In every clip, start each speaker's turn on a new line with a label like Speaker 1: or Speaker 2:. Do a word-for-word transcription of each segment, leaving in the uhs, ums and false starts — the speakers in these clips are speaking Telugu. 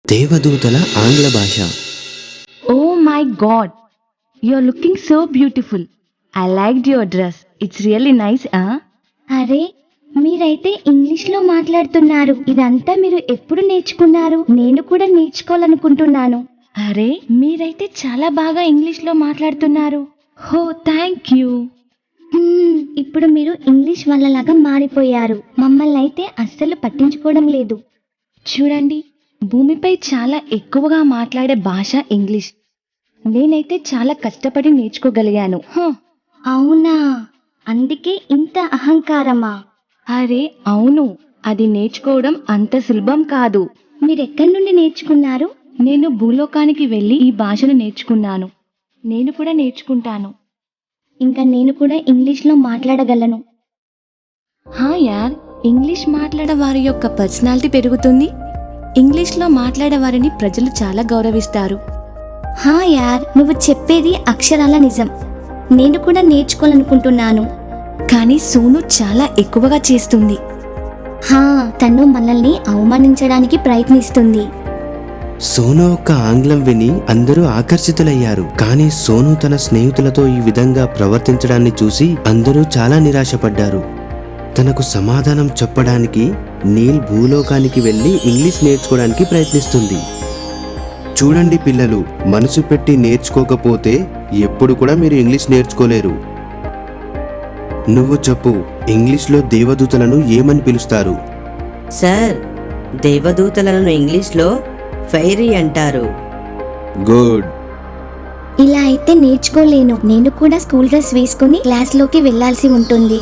Speaker 1: దేవదూతల ఆంగ్ల భాష.
Speaker 2: Oh my god, you're looking so beautiful. I liked your dress. It's really nice, huh?
Speaker 3: అరే మీరైతే ఇంగ్లీష్ లో మాట్లాడుతున్నారు. ఇదంతా మీరు ఎప్పుడు నేర్చుకున్నారు? నేను కూడా నేర్చుకోవాలనుకుంటున్నాను.
Speaker 2: అరే మీరైతే చాలా బాగా ఇంగ్లీష్ లో మాట్లాడుతున్నారు. హో థ్యాంక్ యూ.
Speaker 3: హ్మ్, ఇప్పుడు మీరు ఇంగ్లీష్ వాళ్ళలాగా మారిపోయారు. మమ్మల్ని అయితే అస్సలు పట్టించుకోవడం లేదు.
Speaker 2: చూడండి, భూమిపై చాలా ఎక్కువగా మాట్లాడే భాష ఇంగ్లీష్. నేనైతే చాలా కష్టపడి నేర్చుకోగలిగాను. హ,
Speaker 3: అవునా, అందుకే ఇంత అహంకారమా?
Speaker 2: అరే అవును, అది నేర్చుకోవడం అంత సులభం కాదు.
Speaker 3: మీరెక్కడి నుండి నేర్చుకున్నారు?
Speaker 2: నేను భూలోకానికి వెళ్ళి ఈ భాషను నేర్చుకున్నాను. నేను కూడా నేర్చుకుంటాను.
Speaker 3: ఇంకా నేను కూడా ఇంగ్లీష్ లో మాట్లాడగలను.
Speaker 2: హా యార్, ఇంగ్లీష్ మాట్లాడే వారి యొక్క పర్సనాలిటీ పెరుగుతుంది. ఇంగ్లీష్లో మాట్లాడే వారిని ప్రజలు చాలా గౌరవిస్తారు.
Speaker 3: హా యార్, నువ్వు చెప్పేది అక్షరాల నిజం. నేను కూడా నేర్చుకోవాలనుకుంటున్నాను.
Speaker 2: కానీ సోను చాలా ఎక్కువగా చేస్తుంది.
Speaker 3: హా, తను మనల్ని అవమానించడానికి ప్రయత్నిస్తుంది.
Speaker 1: సోను యొక్క ఆంగ్లం విని అందరూ ఆకర్షితులయ్యారు. కానీ సోను తన స్నేహితులతో ఈ విధంగా ప్రవర్తించడాన్ని చూసి అందరూ చాలా నిరాశపడ్డారు. తనకు సమాధానం చెప్పడానికి నీల్ భూలోకానికి వెళ్లి ఇంగ్లీష్ నేర్చుకోవడానికి ప్రయత్నిస్తుంది. చూడండి పిల్లలు, మనసు పెట్టి నేర్చుకోకపోతే ఎప్పుడు కూడా మీరు ఇంగ్లీష్ నేర్చుకోలేరు. నువ్వు చెప్పు, ఇంగ్లీష్లో దేవదూతలను ఏమని పిలుస్తారు?
Speaker 4: సార్, దేవదూతలను ఇంగ్లీష్లో ఫైరీ అంటారు.
Speaker 1: గుడ్.
Speaker 3: ఇలా అయితే నేర్చుకోలేను. నేను కూడా స్కూల్ డ్రెస్ వేసుకుని క్లాస్ లోకి వెళ్లాల్సి ఉంటుంది.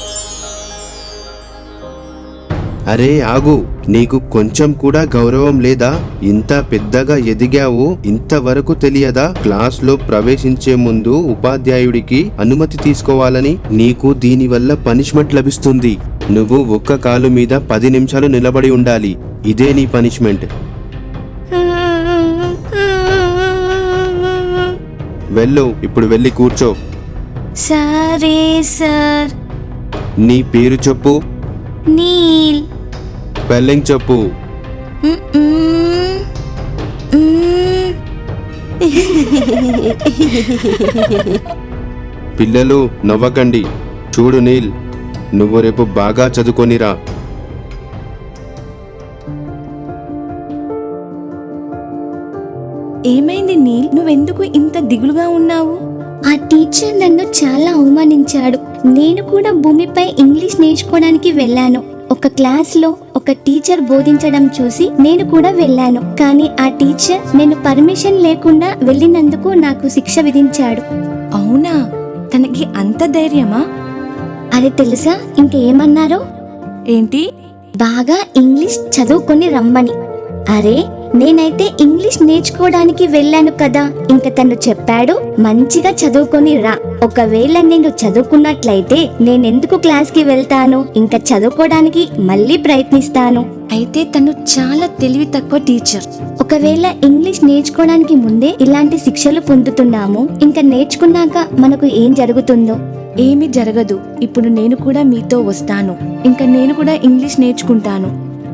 Speaker 1: అరే ఆగు, నీకు కొంచెం కూడా గౌరవం లేదా? ఇంత పెద్దగా ఎదిగావు, ఇంతవరకు తెలియదా? క్లాస్ లో ప్రవేశించే ముందు ఉపాధ్యాయుడికి అనుమతి తీసుకోవాలని. నీకు దీనివల్ల పనిష్మెంట్ లభిస్తుంది. నువ్వు ఒక్క కాలు మీద పది నిమిషాలు నిలబడి ఉండాలి. ఇదే నీ పనిష్మెంట్. వెళ్ళు, ఇప్పుడు వెళ్ళి కూర్చో.
Speaker 3: సరే సార్.
Speaker 1: నీ పేరు చెప్పు.
Speaker 3: నీల్.
Speaker 1: స్పెల్లింగ్ చెప్పు. పిల్లలు నవ్వకండి. చూడు నీల్, నువ్వు రేపు బాగా చదువుకొనిరా.
Speaker 2: ఏమైంది నీల్, నువ్వెందుకు ఇంత దిగులుగా ఉన్నావు?
Speaker 3: ఆ టీచర్ నన్ను చాలా అవమానించాడు. నేను కూడా భూమిపై ఇంగ్లీష్ నేర్చుకోవడానికి వెళ్ళాను. ఒక క్లాస్ లో ఒక టీచర్ బోధించడం చూసి నేను కూడా వెళ్ళాను. కానీ ఆ టీచర్ నేను పర్మిషన్ లేకుండా వెళ్ళినందుకు నాకు శిక్ష విధించాడు.
Speaker 2: అవునా, తనకి అంత ధైర్యమా?
Speaker 3: అది తెలుసా ఇంకేమన్నారో?
Speaker 2: ఏంటి?
Speaker 3: బాగా ఇంగ్లీష్ చదువుకొని రమ్మని. అరే నేనైతే ఇంగ్లీష్ నేర్చుకోవడానికి వెళ్ళాను కదా. ఇంక తను చెప్పాడు మంచిగా చదువుకొని రా. ఒకవేళ నేను చదువుకున్నట్లయితే నేనెందుకు క్లాస్ కి వెళ్తాను? ఇంకా చదువుకోవడానికి మళ్ళీ ప్రయత్నిస్తాను.
Speaker 2: అయితే తను చాలా తెలివి తక్కువ టీచర్.
Speaker 3: ఒకవేళ ఇంగ్లీష్ నేర్చుకోవడానికి ముందే ఇలాంటి శిక్షలు పొందుతున్నాము, ఇంకా నేర్చుకున్నాక మనకు ఏం జరుగుతుందో?
Speaker 2: ఏమీ జరగదు. ఇప్పుడు నేను కూడా మీతో వస్తాను. ఇంకా నేను కూడా ఇంగ్లీష్ నేర్చుకుంటాను.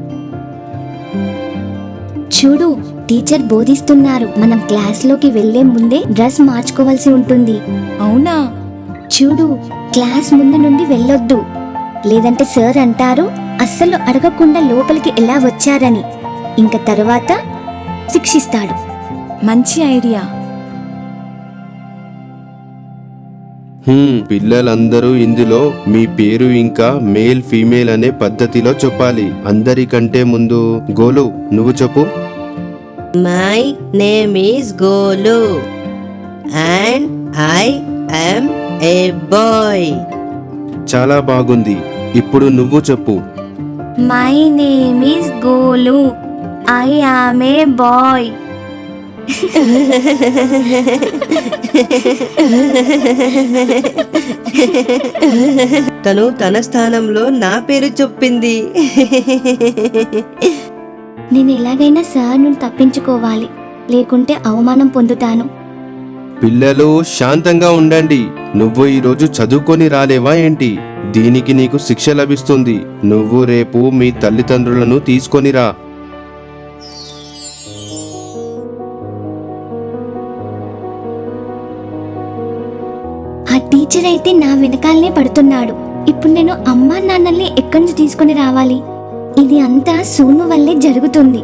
Speaker 3: చూడు, టీచర్ బోధిస్తున్నారు. మనం క్లాస్ లోకి వెళ్లే ముందే డ్రెస్ మార్చుకోవాల్సి ఉంటుంది.
Speaker 2: అవునా?
Speaker 3: చూడు, క్లాస్ ముందు నుండి వెళ్ళొద్దు, లేదంటే సార్ అంటారు అస్సలు అడగకుండా లోపలికి ఎలా వచ్చారని. ఇంక తర్వాత శిక్షిస్తాడు.
Speaker 2: మంచి ఐడియా.
Speaker 1: హ్మ్, పిల్లలందరూ ఇందులో మీ పేరు ఇంకా మేల్ ఫీమేల్ అనే పద్ధతిలో చెప్పాలి. అందరికంటే ముందు గోలు, నువ్వు చెప్పు.
Speaker 4: My name is Golu and I am a boy.
Speaker 1: చాలా బాగుంది. ఇప్పుడు నువ్వు చెప్పు.
Speaker 3: My name is Golu, I am a boy.
Speaker 4: తను తన స్థానంలో నా పేరు చెప్పింది.
Speaker 3: నేను ఎలాగైనా సార్ నుండి తప్పించుకోవాలి, లేకుంటే అవమానం పొందుతాను.
Speaker 1: పిల్లలు శాంతంగా ఉండండి. నువ్వు ఈరోజు చదువుకొని రాలేవా ఏంటి? దీనికి నీకు శిక్ష లభిస్తుంది. నువ్వు రేపు మీ తల్లిదండ్రులను తీసుకొనిరా.
Speaker 3: ఆ టీచర్ అయితే నా వెనకాలనే పడుతున్నాడు. ఇప్పుడు నేను అమ్మా నాన్నల్ని ఎక్కడి నుంచి తీసుకొని రావాలి? ఇది అంతా సోను వల్లే జరుగుతుంది.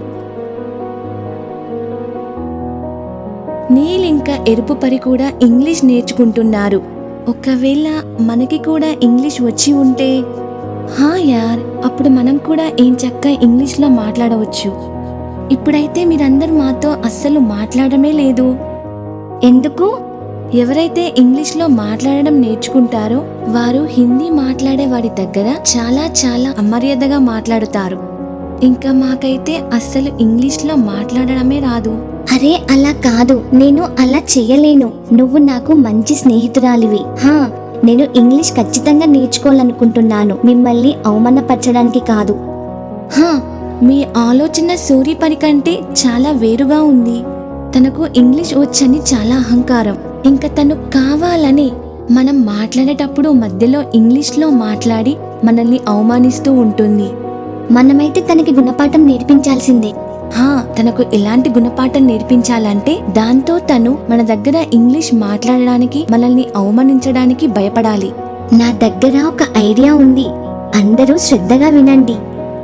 Speaker 2: నీల్ ఇంకా ఎరుపు పరి కూడా ఇంగ్లీష్ నేర్చుకుంటున్నారు. ఒకవేళ మనకి కూడా ఇంగ్లీష్ వచ్చి ఉంటే, హా యార్, అప్పుడు మనం కూడా ఏం చక్క ఇంగ్లీష్లో మాట్లాడవచ్చు. ఇప్పుడైతే మీరందరూ మాతో అస్సలు మాట్లాడమే లేదు.
Speaker 3: ఎందుకు?
Speaker 2: ఎవరైతే ఇంగ్లీష్లో మాట్లాడడం నేర్చుకుంటారో వారు హిందీ మాట్లాడే వాడి దగ్గర చాలా చాలా అమర్యాదగా మాట్లాడుతారు. ఇంకా మాకైతే అస్సలు ఇంగ్లీష్లో మాట్లాడడమే రాదు.
Speaker 3: అరే అలా కాదు, నేను అలా చెయ్యలేను. నువ్వు నాకు మంచి స్నేహితురాలివి. హా, నేను ఇంగ్లీష్ ఖచ్చితంగా నేర్చుకోవాలనుకుంటున్నాను, మిమ్మల్ని అవమానపరచడానికి కాదు.
Speaker 2: హా, మీ ఆలోచన సూరి పని కంటే చాలా వేరుగా ఉంది. తనకు ఇంగ్లీష్ వచ్చని చాలా అహంకారం. ఇంకా తను కావాలని మనం మాట్లాడేటప్పుడు మధ్యలో ఇంగ్లీష్లో మాట్లాడి మనల్ని అవమానిస్తూ ఉంటుంది.
Speaker 3: మనమైతే తనకి గుణపాఠం నేర్పించాల్సిందే.
Speaker 2: హా, తనకు ఎలాంటి గుణపాఠం నేర్పించాలంటే దాంతో తను మన దగ్గర ఇంగ్లీష్ మాట్లాడడానికి మనల్ని అవమానించడానికి భయపడాలి.
Speaker 3: నా దగ్గర ఒక ఐడియా ఉంది, అందరూ శ్రద్ధగా వినండి.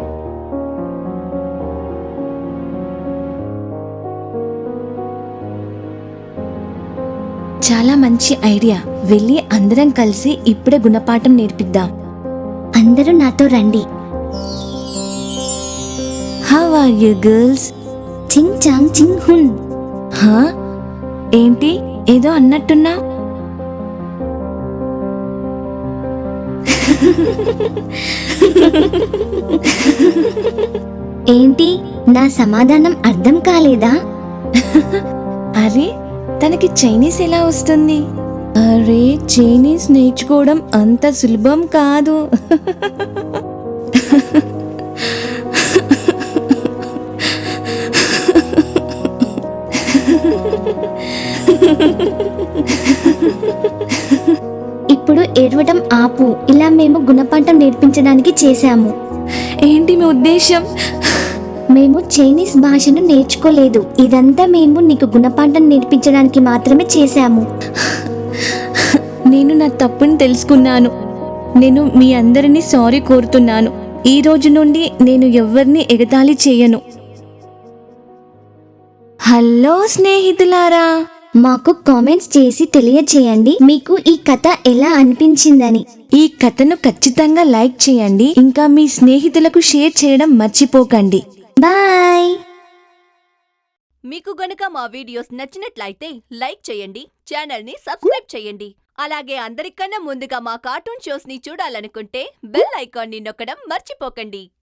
Speaker 2: చాలా మంచి ఐడియా. వెళ్ళి అందరం కలిసి ఇప్పుడే గుణపాఠం నేర్పిద్దాం.
Speaker 3: అందరూ నాతో రండి.
Speaker 2: How are you girls?
Speaker 3: చింగ్ చాంగ్ చింగ్ హున్.
Speaker 2: హా, ఏంటి ఏదో అన్నట్టున్నా?
Speaker 3: ఏంటి, నా సమాధానం అర్థం కాలేదా?
Speaker 2: అరే, తనకి చైనీస్ ఎలా వస్తుంది? అరే, చైనీస్ నేర్చుకోవడం అంత సులభం కాదు.
Speaker 3: ఇప్పుడు ఏడవడం ఆపు. ఇలా మేము గుణపాఠం నేర్పించడానికి చేశాము.
Speaker 2: ఏంటి మీ ఉద్దేశం?
Speaker 3: మేము చైనీస్ భాషను నేర్చుకోలేదు. ఇదంతా మేము నీకు గుణపాఠం నేర్పించడానికి మాత్రమే చేశాము.
Speaker 2: నేను నా తప్పుని తెలుసుకున్నాను. నేను మీ అందరినీ సారీ కోరుతున్నాను. ఈ రోజు నుండి నేను ఎవరిని ఎగతాళి చేయను. హలో స్నేహితులారా,
Speaker 3: మాకు కామెంట్స్ చేసి తెలియచేయండి మీకు ఈ కథ ఎలా అనిపించిందని.
Speaker 2: ఈ కథను ఖచ్చితంగా లైక్ చేయండి. ఇంకా మీ స్నేహితులకు షేర్ చేయడం మర్చిపోకండి.
Speaker 3: బాయ్.
Speaker 5: మీకు గనుక మా వీడియోస్ నచ్చినట్లయితే లైక్ చేయండి, ఛానల్ ని సబ్స్క్రైబ్ చేయండి. అలాగే అందరికన్నా ముందుగా మా కార్టూన్ షోస్ ని చూడాలనుకుంటే బెల్ ఐకాన్ ని నొక్కడం మర్చిపోకండి.